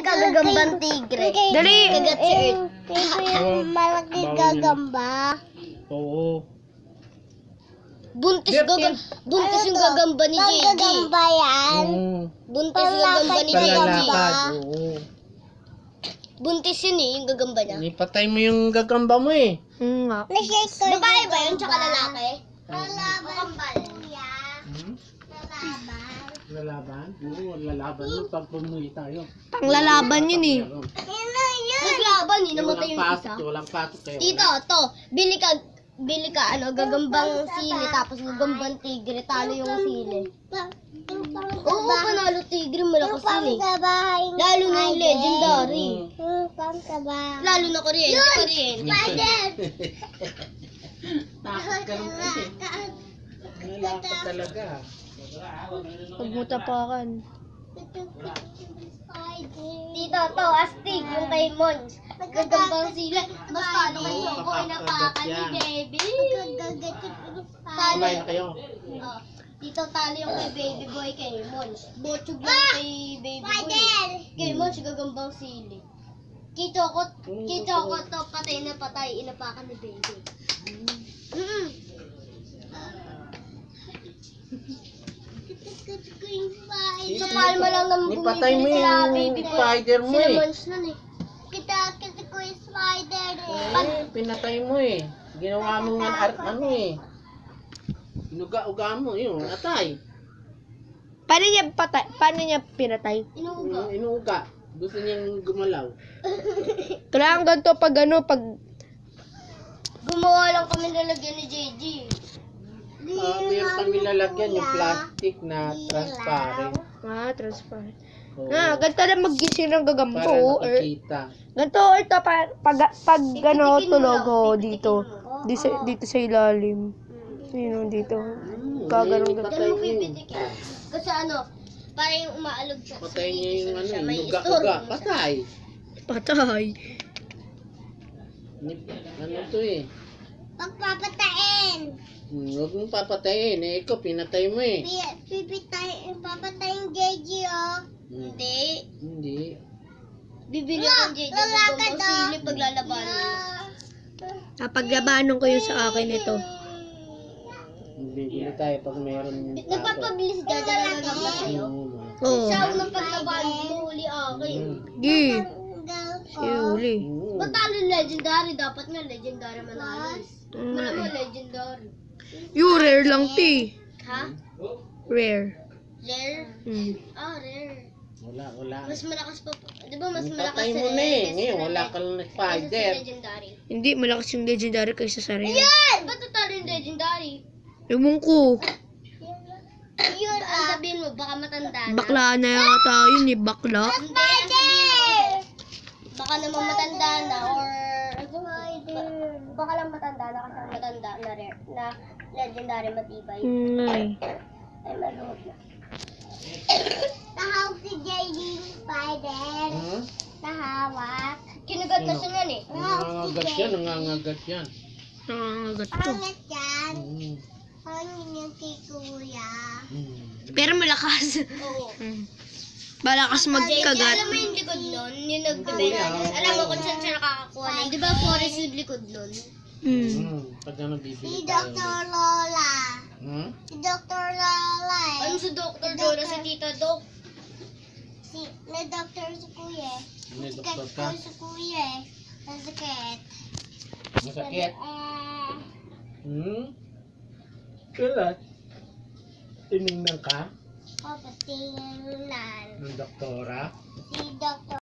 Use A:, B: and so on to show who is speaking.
A: kagagambang tigre.
B: Dali!
A: Kagat si Earth.
C: Yung malaki gagamba.
D: Oo.
A: Buntis yung gagamba ni JJ.
C: Gagamba yan.
A: Buntis yung gagamba ni JJ.
D: Palalakad. Oo.
A: Buntis yun eh, yung gagamba niya.
D: Ipatay mo yung gagamba mo eh.
B: Nga.
A: Babae ba yun, tsaka lalaki?
C: Lalaban.
D: Lalaban? Oo, lalaban yun pag pumuwi tayo.
B: Panglalaban yun eh.
A: Naglaban eh, namatay yung isa.
D: Walang pasok kayo.
A: Tito, to, bili ka, gagambang sili, tapos gagambang tigre, talo yung sili. Oo, panalo tigre, malakas yun eh. Lalo na yung legendary. Lalo na kuryente.
D: Takot ka rin kasi. Nalakot talaga.
B: Huwag mo tapakan.
A: Tito, to, astig, yung kay Mons. Gagambang sili. Mas talo kay Choco, inapakan ni Baby.
D: Kumain na kayo.
A: Oh, dito talo yung kay Baby Boy, kay Mons. Botsug yung kay Baby Boy. Kay Mons, gagambang sili. Kay Choco to, patay na patay, inapakan ni Baby. Sa palma lang naman
D: Ipatay mo
A: bumibili sila
D: yung
A: Baby Boy.
D: spider mo
A: Sila
D: eh.
A: Mons nun eh.
C: Kita ko yung spider
D: Pinatay mo eh. Ginawa mo nga ano eh. Inuga-uga mo yun. Atay.
B: Paano niya pinatay?
A: Inuuga.
D: Inuga. Gusto niyang gumalaw.
B: Kailangan ganito pag pag
A: Gumawa lang kami nalagyan ni JJ.
D: Meron kami lalagyan yung plastic na transparent.
B: transparent.
D: Oo.
B: Ganito na magising ng
D: Para
B: gagampo.
D: nakikita.
B: Ganito, ito, pag tulog dito. Dito sa ilalim. Yun, dito. Gaganon
A: Diyan
D: Patay
A: mo
D: mo.
A: pipitikin. Kasi para yung umaalog siya.
D: Patay niya yung
A: may
D: inuga-uga.
A: istorbo siya.
D: Patay.
B: Patay.
D: Ano to eh.
C: Pagpapatain.
D: Huwag mong papatayin. Ikaw, pinatay mo eh.
C: Papatayin JJ oh.
A: Hindi.
D: Hindi.
A: Bibili ang JJ. Gagambang sili paglalabanan niya.
B: Paglabanan ko yun sa akin ito.
D: Bibili tayo pag meron
A: Nagpapabilis ka dyan na gagamba sa'yo.
B: Oo.
A: Siya ang paglabanan mo huli akin.
B: Gi. Uli.
A: Ba't talo yung legendary? Dapat nga legendary manalo. Wala mo legendary.
B: Yung rare lang, ti.
A: Ha?
B: Rare.
A: Rare? Rare.
D: Wala.
A: Mas malakas pa. Di ba mas malakas
D: Patay
A: sa
D: mo na eh.
A: kaysa
D: Ngayon,
A: sa
D: wala ka lang na spider.
A: legendary.
B: Hindi, malakas yung legendary kaysa sa rare.
A: Yan! Ba't talo yung legendary?
B: Ewan ko.
A: Yun, ang sabihin mo, baka matanda na.
B: Bakla na yata yun eh, bakla.
A: Hindi, ang sabihin mo, baka naman matanda na or baka lang matanda na kasi ang matanda na rare, na legendary matibay. Ay, maluhod na.
C: Tahawak si JD spider. Tahawak.
A: Kinagat na siya yan eh.
D: Nangangagat yan.
B: Nangangagat to.
C: Pangat yan. Hangin yung kay kuya.
B: Pero malakas.
A: Oo.
B: Malakas
A: JJ,
B: magkagat.
A: alam mo yung likod nun? Yung nagbibenta. Alam mo kung saan siya nakakuha nun? Di ba forest yung likod nun?
D: Pag ano bibili
C: Si
D: tayo.
C: Dr. Lola. Si Dr. Lola eh.
A: Ano si Dr. Dora, si Tita Doc?
C: Na doctor si kuya eh.
D: May
C: Sakit
D: doktor
C: ko
D: ka?
C: si kuya eh. Nasakit.
D: Masakit? Kailan? Tinignan ka
C: Papatingnan.
D: ng doktora?
C: Si Dr.